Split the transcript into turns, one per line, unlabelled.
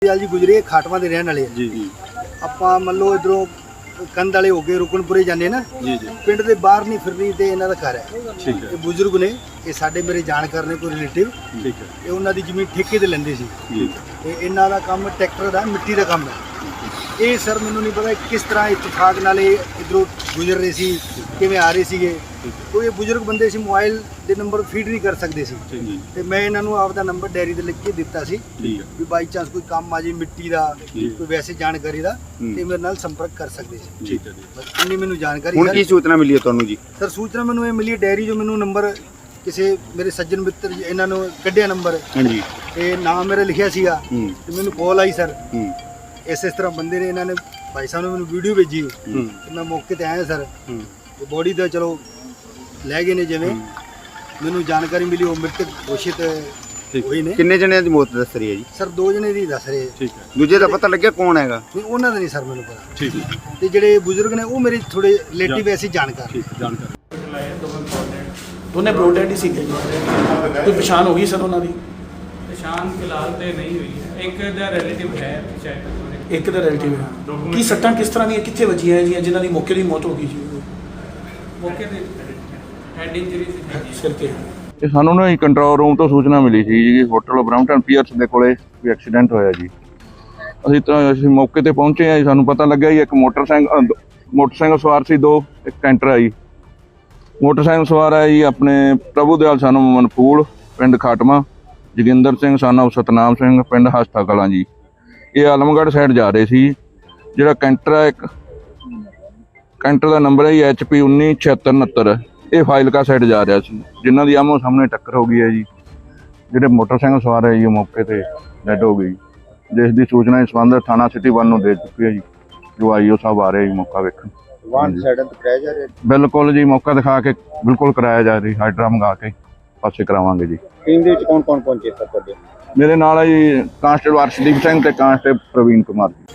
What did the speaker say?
जी गुजरे खाटवा के रहने वाले
जी जी
ਆਪਾਂ ਮੰਨ ਲਓ ਇਧਰੋਂ ਕੰਧ ਵਾਲੇ ਹੋ ਕੇ ਰੁਕਨਪੁਰੇ ਜਾਂਦੇ ਨਾ
जी जी
ਪਿੰਡ ਦੇ ਬਾਹਰ ਨਹੀਂ ਫਿਰਨੀ ਤੇ ਇਹਨਾਂ ਦਾ ਘਰ ਹੈ।
ठीक है
ਇਹ ਬਜ਼ੁਰਗ ਨੇ, ਇਹ ਸਾਡੇ ਮੇਰੇ ਜਾਣਕਾਰ ਨੇ, ਕੋਈ ਰਿਲੇਟਿਵ।
ठीक है
ਇਹ ਉਹਨਾਂ ਦੀ ਜ਼ਮੀਨ ਠੇਕੇ ਤੇ ਲੈਂਦੇ ਸੀ
जी
ਤੇ ਇਹਨਾਂ ਦਾ ਕੰਮ ਟਰੈਕਟਰ ਦਾ ਮਿੱਟੀ ਦਾ ਕੰਮ ਹੈ। ਇਹ ਸਰ ਮੈਨੂੰ ਨਹੀਂ ਪਤਾ ਕਿਸ ਤਰ੍ਹਾਂ ਇਤਫਾਕ ਨਾਲ ਇਹ ਇਧਰੋਂ ਗੁਜ਼ਰ ਰਹੇ ਸੀ, ਕਿਵੇਂ ਆ ਰਹੇ ਸੀਗੇ। ਕੋਈ ਇਹ ਬਜ਼ੁਰਗ ਬੰਦੇ ਸੀ, ਮੋਬਾਈਲ ਦੇ ਨੰਬਰ ਫੀਡ ਨਹੀਂ ਕਰ ਸਕਦੇ ਸੀ
ठीक है
ਤੇ ਮੈਂ ਇਹਨਾਂ ਨੂੰ ਆਪਦਾ ਨੰਬਰ ਡਾਇਰੀ ਤੇ ਲਿਖ ਕੇ ਦਿੱਤਾ ਸੀ
ठीक है
ਵੀ ਬਾਈ ਚਾਂਸ ਕੋਈ ਕੰਮ ਆ ਜੇ ਮਿੱਟੀ ਦਾ, ਕੋਈ ਵੈਸੇ ਜਾਣਕਾਰੀ ਦਾ ਤੇ ਮੇਰੇ ਨਾਲ ਸੰਪਰਕ ਕਰ ਸਕਦੇ ਸੀ।
ठीक है जी
ਬਸ ਇੰਨੀ ਮੈਨੂੰ ਜਾਣਕਾਰੀ
ਹੁਣ ਕੀ ਸੂਚਨਾ ਮਿਲੀ ਹੈ ਤੁਹਾਨੂੰ ਜੀ?
ਸਰ ਸੂਚਨਾ ਮੈਨੂੰ ਇਹ ਮਿਲੀ ਡਾਇਰੀ ਜੋ ਮੈਨੂੰ ਨੰਬਰ ਕਿਸੇ ਮੇਰੇ ਸੱਜਣ ਮਿੱਤਰ ਜੀ ਇਹਨਾਂ ਨੂੰ ਕੱਢਿਆ ਨੰਬਰ
ਹਾਂਜੀ
ਤੇ ਨਾਮ ਮੇਰਾ ਲਿਖਿਆ ਸੀਗਾ ਤੇ ਮੈਨੂੰ ਕਾਲ ਆਈ ਸਰ ਇਸ ਤਰ੍ਹਾਂ ਬੰਦੇ ਨੇ, ਇਹਨਾਂ ਨੇ ਭਾਈ ਸਾਹਿਬ ਨੇ ਮੈਨੂੰ ਵੀਡੀਓ ਭੇਜੀ ਤੇ ਮੈਂ ਮੌਕੇ ਤੇ ਆਇਆ ਸਰ ਤੇ ਬੋਡੀ ਦਾ ਚਲੋ ਲੈ ਗਏ ਨੇ। ਜਿਵੇਂ ਮੈਨੂੰ ਜਾਣਕਾਰੀ ਮਿਲੀ ਉਹ ਮ੍ਰਿਤਕ ਘੋਸ਼ਿਤ ਹੋਏ ਨੇ।
ਕਿੰਨੇ ਜਣਿਆਂ ਦੀ ਮੌਤ ਦੱਸ ਰਹੀ ਹੈ ਜੀ?
ਸਰ 2 ਜਣੇ ਦੀ ਦੱਸ ਰਹੇ।
ठीक है
ਦੂਜੇ ਦਾ ਪਤਾ ਲੱਗਿਆ ਕੌਣ ਹੈਗਾ?
ਨਹੀਂ ਉਹਨਾਂ ਦਾ ਨਹੀਂ ਸਰ ਮੈਨੂੰ ਪਤਾ।
ठीक है
ਤੇ ਜਿਹੜੇ ਬਜ਼ੁਰਗ ਨੇ ਉਹ ਮੇਰੇ ਥੋੜੇ ਰਿਲੇਟਿਵ ਐਸੀ ਜਾਣਕਾਰ।
ठीक है जानकारी
ਦੋਨੇ ਬਰੋਡਡ ਹੀ ਸੀਗੇ ਜੀ। ਕੋਈ ਪਛਾਣ ਹੋ ਗਈ ਸਰ ਉਹਨਾਂ ਦੀ?
ਪਛਾਣ ਫਿਲਹਾਲ ਤੇ ਨਹੀਂ ਹੋਈ ਹੈ। ਇੱਕ ਦਾ ਰਿਲੇਟਿਵ ਹੈ ਸ਼ਾਇਦ।
ਇੱਕ ਦਾ ਰਿਲੇਟਿਵ ਹੈ। ਕੀ ਸੱਟਾਂ ਕਿਸ ਤਰ੍ਹਾਂ ਦੀਆਂ ਕਿੱਥੇ ਵੱਜੀਆਂ ਜੀ ਜਿਨ੍ਹਾਂ ਦੀ ਮੌਕੇ ਦੀ ਮੌਤ ਹੋ ਗਈ ਜੀ?
ਮੌਕੇ ਤੇ ਹੈਡ ਇੰਜਰੀ ਸੀ।
ਸਿਰ ਤੇ।
ਇਹ ਸਾਨੂੰ ਨਾ ਕੰਟਰੋਲ ਰੂਮ ਤੋਂ ਸੂਚਨਾ ਮਿਲੀ ਸੀ ਜੀ ਹੋਟਲ ਬ੍ਰੈਂਪਟਨ ਪੀਅਰਸ ਦੇ ਕੋਲੇ ਵੀ ਐਕਸੀਡੈਂਟ ਹੋਇਆ ਜੀ। ਅਸੀਂ ਮੌਕੇ ਤੇ ਪਹੁੰਚੇ ਆ ਜੀ। ਸਾਨੂੰ ਪਤਾ ਲੱਗਿਆ ਜੀ ਇੱਕ ਮੋਟਰਸਾਈਕਲ ਸਵਾਰ ਸੀ, 2 ਇੱਕ ਕੈਂਟਰ ਆ ਜੀ। ਮੋਟਰਸਾਈਕਲ ਸਵਾਰ ਆ ਜੀ ਆਪਣੇ ਪ੍ਰਭੂ ਦਿਆਲ ਸਾਨੂੰ ਮਨਫੂਲ ਪਿੰਡ ਖਾਟਮਾ, ਜੋਗਿੰਦਰ ਸਿੰਘ ਸਾਨੂੰ ਸਤਨਾਮ ਸਿੰਘ ਪਿੰਡ ਹਸਤਾ ਕਲਾਂ ਜੀ। ਇਹ ਆਲਮਗੜ੍ਹ ਸਾਈਡ ਜਾ ਰਹੇ ਸੀ। ਜਿਹੜਾ ਕੈਂਟਰ ਆ ਇੱਕ ਕੈਂਟਰ ਦਾ ਨੰਬਰ ਹੈ ਜੀ HP 197669। ਇਹ ਫਾਜ਼ਿਲਕਾ ਸਾਈਡ ਜਾ ਰਿਹਾ ਸੀ, ਜਿਨ੍ਹਾਂ ਦੀ ਆਮੋ ਸਾਹਮਣੇ ਟੱਕਰ ਹੋ ਗਈ ਹੈ ਜੀ। ਜਿਹੜੇ ਮੋਟਰਸਾਈਕਲ ਸਵਾਰ ਹੈ ਜੀ ਉਹ ਮੌਕੇ ਤੇ ਡੈਡ ਹੋ ਗਈ, ਜਿਸ ਦੀ ਸੂਚਨਾ ਇਸ ਸੰਬੰਧ ਥਾਣਾ ਸਿਟੀ 1 ਨੂੰ ਦੇ ਚੁੱਕੀ ਹੈ ਜੀ। ਜੋ ਆਈਓ ਸਾਹਿਬ ਆ ਰਹੇ ਜੀ ਮੌਕਾ ਵੇਖਣ।
ਵਾਹਨ ਸਾਈਡਾਂ ਤੇ ਕਰਾਇਆ ਜਾ ਰਿਹਾ?
ਬਿਲਕੁਲ ਜੀ, ਮੌਕਾ ਦਿਖਾ ਕੇ ਬਿਲਕੁਲ ਕਰਾਇਆ ਜਾ ਰਹੀ। ਹਾਈਡਰਾ ਮੰਗਾ ਕੇ ਪਾਸੇ ਕਰਾਵਾਂਗੇ ਜੀ।
ਟੀਮ ਦੇ ਵਿੱਚ ਕੌਣ ਕੌਣ ਪਹੁੰਚੇ ਸਰ ਤੁਹਾਡੇ?
ਮੇਰੇ ਨਾਲ ਹੈ ਜੀ ਕਾਂਸਟੇਬਲ ਅਰਸ਼ਦੀਪ ਸਿੰਘ ਤੇ ਕਾਂਸਟੇਬਲ ਪ੍ਰਵੀਨ ਕੁਮਾਰ ਜੀ।